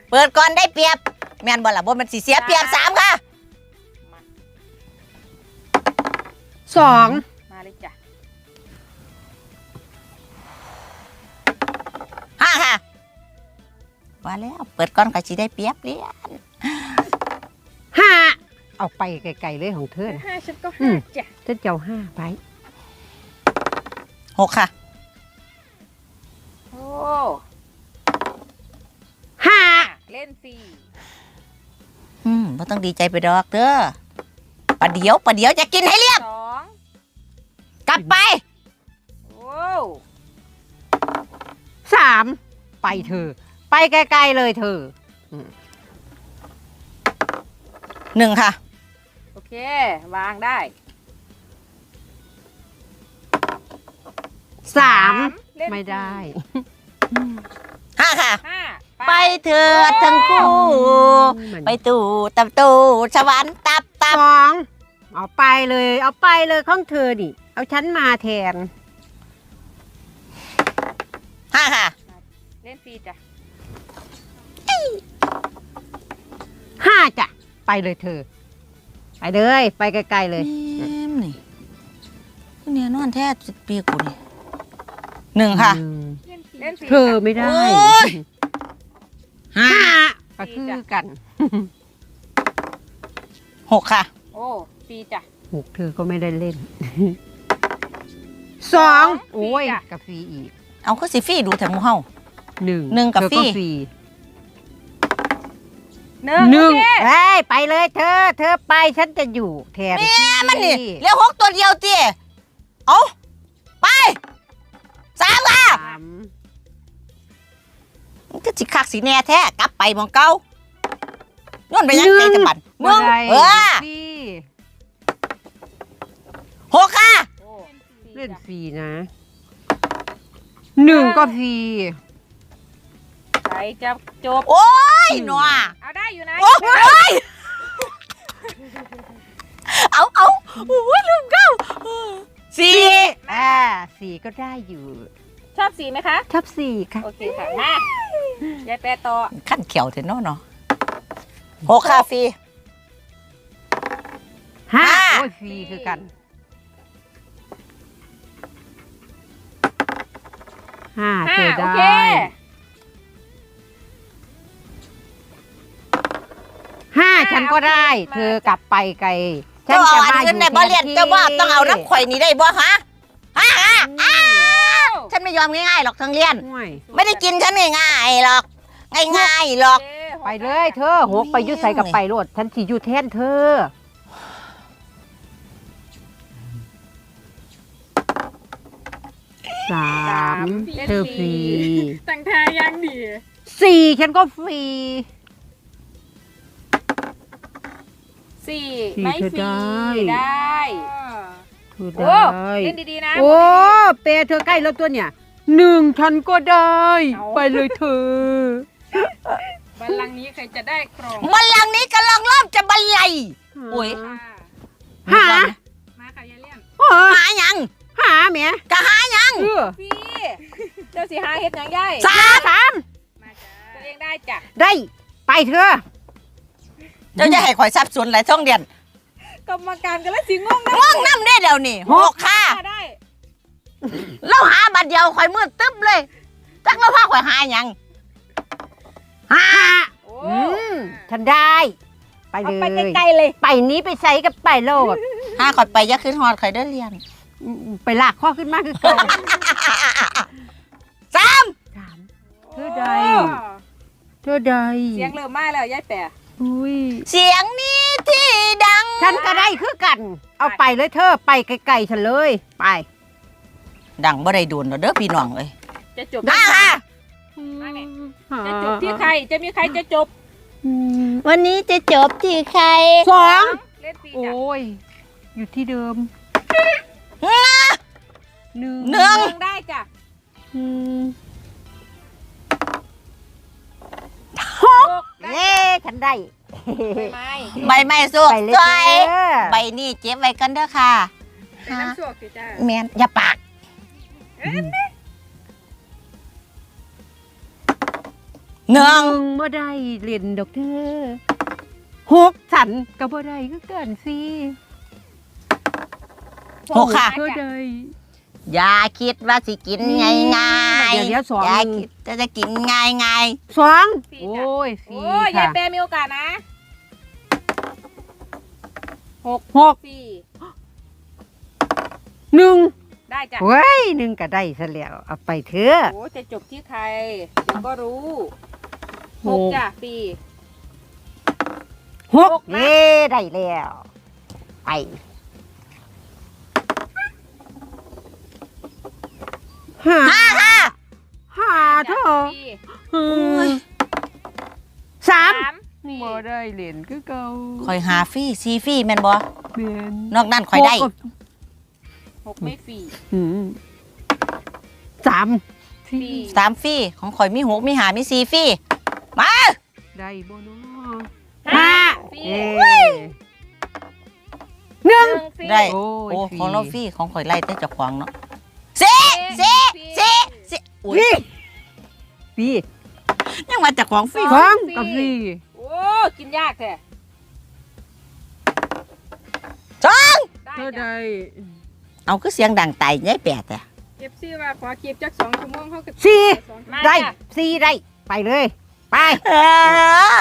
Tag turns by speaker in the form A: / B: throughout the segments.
A: เปิดก่อนได้เปรียบแม่นบ่ล่ะบ่มันสิเสียเปรียบ3ค่ะ
B: 2
C: มาเลยจ้ะ
A: 5ค่ะว่าแล้วเปิดก่อนก็สิได้เปรียบเรียน
B: 5เอาไปไกลๆเลยของเธอนะ
C: 5ฉันก็5จ้ะ
B: ฉันจะเอา5ไป
A: 6ค่ะ
C: โอ้
B: 5
C: เล่นฟรี
A: บ่ต้องดีใจไปดอกเด้อประเดี๋ยวจะกินให้เรียบ
C: 2
A: กลับไป
C: โอ้
B: 3ไปเธอไปไกลๆเลยเธอ
A: 1ค่ะ
C: โอเควางได้
B: 3ไม่ได้
A: 5ค่ะ
C: 5
A: ไปเถิดทั้งคู่ไปตู่ตับตู่สวรรค์ตับ
B: 2เอาไปเลยของเธอดิเอาฉันมาแทน
A: 5ค่ะ
C: เล่นฟรีจ้ะ
B: 5จ้ะไปเลยเธอไปเลยไปไกลๆเลย
A: นี่เนี่ยนอนแท้10 ปีกูนี่1ค่ะ
C: เล่นฟรี
B: เธอไม่ได้5ก็คือกัน
A: 6ค่ะ
C: โอ้ฟรีจ้ะ
B: 6เธอก็ไม่ได้เล่น2โอ้ยกับฟรีอีก
A: เอาก็สิฟรีดูแต่หมู่เฮา1กับฟรี
B: 1เฮ้ยไปเลยเธอไปฉันจะอยู่แทน
A: แม่มันนี่เรียก6ตัวเดียวติเอาไป3ค่ะมันก็สิคักสิแน่แท้กลับไปหม้องเก่าย้อนไปยังไกลจังบัดมึง6ค่ะ
B: เล่นฟรีนะ1ก็ฟรี
C: ใครจะจบ
A: โอ้ยหนัว
C: เอาได้อยู่นะ
A: โอ้ยเอาโอ้ยลืมเก้า
B: 4ก็ได้อยู่
C: ชอบ4ไหมคะ
B: ชอบ4ค่ะ
C: โอเคค่ะมายายแปรต่อ
A: ขั้นเขียวเถอะเนาะ6ค่ะฟรี
B: 5โอ้ยฟรีคือกัน5เธอได้5ฉันก็ได้เธอกลับไปไกล
A: ฉันจะมาอยู่ในบ่เรียนเจ้าว่าต้องเอาน้ำข่อยนี่ได้บ่ฮะฉันไม่ยอมง่ายๆหรอกทั้งเรียนไม่ได้กินฉันง่ายๆหรอกง่ายๆหรอก
B: ไปเลยเธอ6ไปยุดใส่กับไปโลดฉันสิอยู่แทนเธอ3เธอฟรี
C: ตั้งท่ายังดี
B: 4ฉันก็ฟรี
C: 4ไม่ฟรีได้
B: เ
C: เล่นดีๆนะ
B: โอ้เปเธอใกล้แล้วตัวเนี่ย1ฉันก็ได้ไปเลยเธอ
C: บัลลังก์นี้ใครจะได้ครอง
A: บัลลังก์นี้กำลังเริ่มจะบรรลัยโอ้ย
C: มาค่ะยายเลี่ยน
A: หายัง
B: หาเมีย
A: ก็หายัง
C: พี่เจ้าสิหาเฮ็ดยังไง
B: 3
C: มาจ้ะตัวเองได้จ้ะ
B: ได้ไปเธอ
A: เจ้าจะให้ข่อยทรัพย์ส่วนหลายท่องเดือน
C: กรรมการกันแล้วสิงง
A: น้ำได้เดี๋ยวนี้6ค่ะ
C: ได้
A: เราหาบัตรเดียวข่อยมืดตึ๊บเลยจักเราพาข่อยหายัง
B: ฉันได้ไปเลย
C: ไปไกลๆเลย
B: ไปนี้ไปใส่กับไปโลด
A: ข่อยไปยักขึ้นฮอดข่อยได้เรียน
B: ไปลากข้อขึ้นมากคือเก่า
A: 3
B: เธอใด
C: เสียงเริ่มมาแล้วยายแปร
A: เสียงนี้ที่ดัง
B: ฉันก็ได้คือกันเอาไปเลยเธอไปไกลๆฉันเลยไป
A: ดังบ่ได้โดนเด้อพี่น้องเอ้ย
C: จะจบ
A: ค่ะ
C: จะจบที่ใครจะมีใครจะจบ
A: วันนี้จะจบที่ใคร
B: 2เล่นฟรีจ้ะโอ้ยอยู่ที่เดิม
C: 1ได้จ้ะ
B: 6เย้ฉันได้
A: ใบไม้สุกสวยใบนี้เจ็บไว้กันเด้อค่ะ
C: น้ำสวกสิจ้า
A: แม่นอย่าปากหนึ่ง
B: บ่ได้เล่นดอกเธอหกฉันก็บ่ได้คือกันสิ
A: หกค่ะ
B: เธอได้
A: อย่าคิดว่าสิกินง่ายง่าย
B: เดี๋ยวสอง
A: อย่าคิดจะกินง่ายง่าย
B: สอง
C: ฟรี
B: โอ้
C: จ้ะ
B: ยฟรี
C: โอ้ยยา
B: ค่ะ
C: ยแปรมีโอกาสนะหก
B: หก
C: ฟรี
B: หนึ่ง
C: ได้จ้ะ
B: เว้ยหนึ่งก็ได้ซะแล้วเอาไปเถอะ
C: โอ้จะจบที่ใครเดี๋ยวก็รู้หกจ้ะฟรี
B: หก
C: หกนะ
B: เย้ได้แล้วไปห้า
A: ห้าค่ะ
B: ห้าเถ
C: จ้ะ
B: อะ
C: ฟรี
B: สาม
C: ฟรี
B: บ่ได้เล่นคือเก่า
A: คอยหาฟรี่ซีฟรี่แม่นบ่
B: เรียน
A: นอกนั้นคอยได้
B: หก
C: หกไม่ฟรี
B: อืมสาม
C: ฟรี
A: สามฟรี่ของคอยมีหกมีหามีซีฟรี่มา
B: ได้บ่เนาะ
C: ห้าฟรี
B: เย้หนึ่ง
C: ฟรี
A: ได้
B: โอ้
A: โอ้
B: ยฟรี
A: ของเราฟรี่ของคอยไล่แต่เจ้าของเนาะสี่อุ้ย
B: พี่
A: ยังมาจากของฟรี่
B: ฟังกับพี่
C: โอ้กินยากแท้
A: สอง
C: ได้
B: เธอ
C: จ้ะ
B: ได้
A: เอาคือเสียงดังไตยัยแปดแต่
C: เอฟซีว่าขอคลิปจัก2 ชั่วโมงเขาก็
B: สี่
C: มา
B: ได้
C: จ้ะ
B: สี่ได้ไปเลย ไป
A: เออ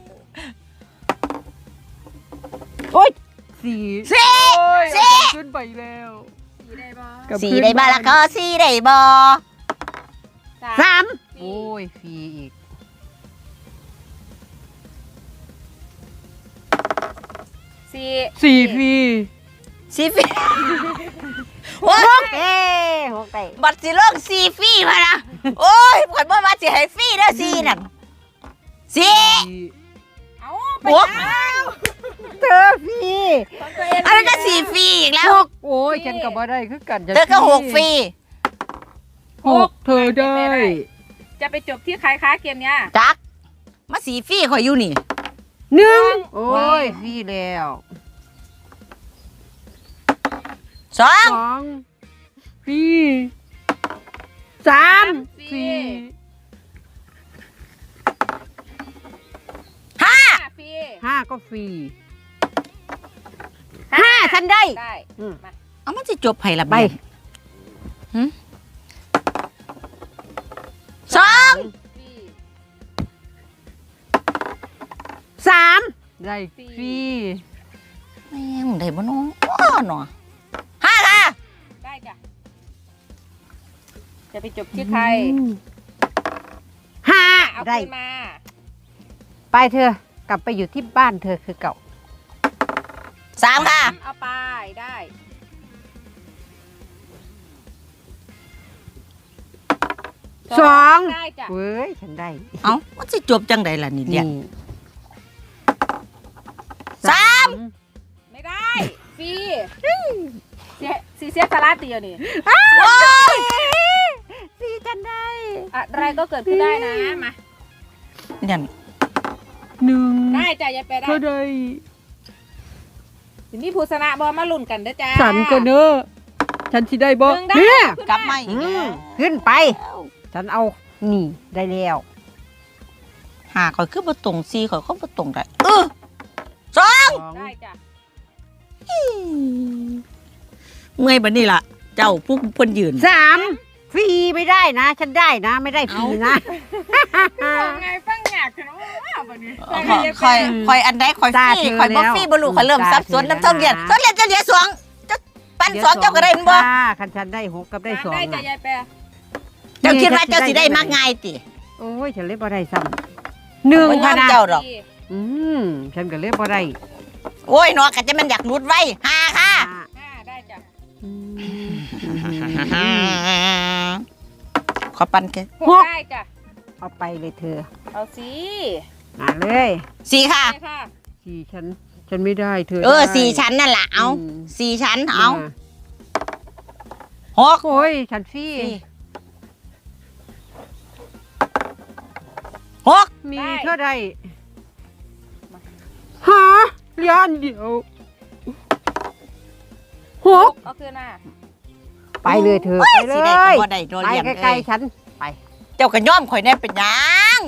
B: โอ้ยสี่
A: สี่
B: โอ้ย
A: สี่
B: เอาขึ้นไปแล้ว
C: สี่ได้บ่
B: กับ
A: สี่
B: เพื่อน
A: ได้บ้า
B: บ้าน
A: ละก็สี่ได้บ่
B: สาม
C: ฟรี
B: โอ้ยฟรีอีก
C: สี่
B: สี่ฟรี
A: ซีฟรี่โอ้ย
B: เอ้หกได้
A: บัตรสิเลิกซีฟรี่มานะโอ้ยข่อยบ่ว่าสิให้ฟรี่เด้อซีนั่นซี
C: เอาไป
A: โอ้
C: แล้ว
B: เธอฟรี
C: ของตัวเอง
A: อันนั้นก็ซีฟรี่อีกแล้ว
B: หกโอ้ยฉันก็บ่ได้คือกันจะ
A: เธอก็หกฟรี
B: หกเธอได้
C: จะไปจบที่ใครคะเกมเนี้ย
A: จักมาซีฟรี่ข่อยอยู่นี่
B: หนึ่งโอ้ยฟรีแล้ว
A: สอง
B: สองฟรีสามฟรี
A: ห้า
C: ฟรี
B: ห้าก็ฟรีห้าฉันได้
C: ได้
B: อืม
C: มา
A: เอามันจะจบไผละ
B: ไป
A: เบียสอง
C: ฟรี
B: สามได้ฟรี
A: แม่งได้บ่น้องเนาะห้าค่ะ
C: ได้จ้ะจะไปจบที่ใคร
B: ห้า
C: เอา
B: ได้
C: คืนมา
B: ไปเธอกลับไปอยู่ที่บ้านเธอคือเก่า
A: สามค่ะ
C: เอาไปได้
B: สอง
C: ได้จ้ะ
B: เว้ยฉันได้
A: เอ้ามันจะจบจังใดล่ะนี่เดีย
B: นี่
A: สาม
C: ไม่ได้ฟรีเสียสาระเตียวนี่
A: โอ้ย
B: สี่ฉันได้
C: อะไรก็เกิดขึ้นได้นะมา
A: เนี่ย
B: หนึ่ง
C: ได้จ้ะยายไปได้
B: เธอได้
C: ทีนี้ผู้ชนะบอมาลุ้นกันเด้อจ้า
B: ฉันก็เนอะฉันสิได้บ่
C: หนึ่งได้
B: เนี่ย
A: กลับมาอี
B: อื
A: กแล้
B: ม
A: ว
B: ขึ้นไป ฉันเอานี่ได้แล้ว
A: หาข่อยคือบ่ตรงซีข่อยก็บ่ตรงได้สอง
B: สอง
C: ได้จ้ะ
A: เมื่อยบัดนี้ล่ะ เจ้าผู้เพิ่นยืน
B: สามฟรีไม่ได้นะ ฉันได้นะ ไม่ได้ฟรีนะ
C: ไงฟังอยากขนมว่าแบบนี้
A: คอยอันใดคอยฟ
B: ตา
A: รี่
B: เธอ
A: คอยบ่
B: แล้ว
A: ฟรี่บ่รู้คอยเริ่ม
B: ตา
A: สับสน
B: เธอ
A: น้ำต้องเรียน
B: แล้วนะ
A: ต้องเรียนจะเหลือสองจะปั้นสองเจ้าก็ได้บ่
B: ค่ะคันฉันได้หกกับได้สอง
C: ได้จ้ะ
B: น่ะ
C: ยายแปร
A: เจ้าคิดว่าเจ้าสิได้มากง่ายติ
B: โอ้ยฉันเล่นบ่ได้ซ้ำหนึ่ง
A: บ่ย
B: ค่ะ
A: อม
B: นะ
A: เจ้าดอก
B: อืมฉันก็เล่นบ่ได้
A: โอ้ยเนาะก็จะมันอยากหลุดไว้หาค่ะ
C: ได้จ้ะ
B: อืม
A: ขอปั้นแค่
C: หกได้จ้ะ
B: เอาไปเลยเธอ
C: เอาสิ
B: มาเลย
A: สี่ค่ะ
C: ได้ค่ะ
B: สี่ฉันไม่ได้เธอ
A: เออ
B: ได้
A: สี่ชั้นนั่นล่ะเอา
B: อืม
A: สี่ชั้นเอา
B: มา
A: หก
B: โอ้ยฉันฟรี
A: หก
B: มีเท่าใดหาเหรียญเดียวหก
C: เอาคืนมา
B: ไปเลยเธอ
A: โอ้
B: ไปเล
A: สิได้ก็
B: ย
A: บ่ได้โดน
B: ไป
A: เรียน
B: ใกล้
A: เอ้ย
B: ๆฉันไป
A: เจ้าก็ย่อมข่อยแน่เป็นหยัง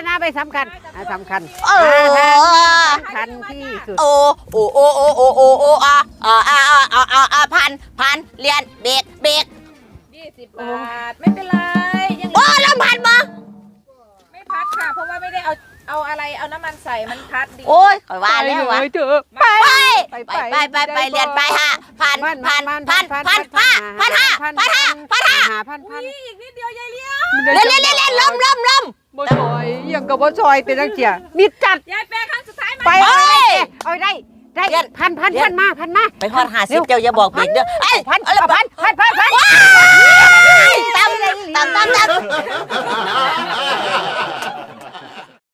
B: ณาไปสำคัญสำคัญ
A: เออ
B: สำคัญที่สุด
A: โอ้พันเรียนเบรก
C: 20 บาทไม่เป็นไรยัง
A: โอ้ลำพันบ่
C: ไม่พัดค่ะ เพราะว่าไม่ได้เอาอะไรเอาน้ำมันใส่มันพัดดี
A: โอ้ยข่อยว่าแล้ววะ
B: ไปเถอะไป
A: ไปเรียนไปฮะพันห้า
B: พัน
C: อีกนิดเดียวยายเลี้ยว
A: เล่นล้ม
B: บ่ซอยยังกับบ่ซอยเป็นจังเจียมิดจัด
C: ยายแปรครั้งสุดท้ายมา
B: ไปเอาได้พันมา
A: ไปฮอด50เจ้าอย่าบอกเบรกเด้อไอ้พัน ตาม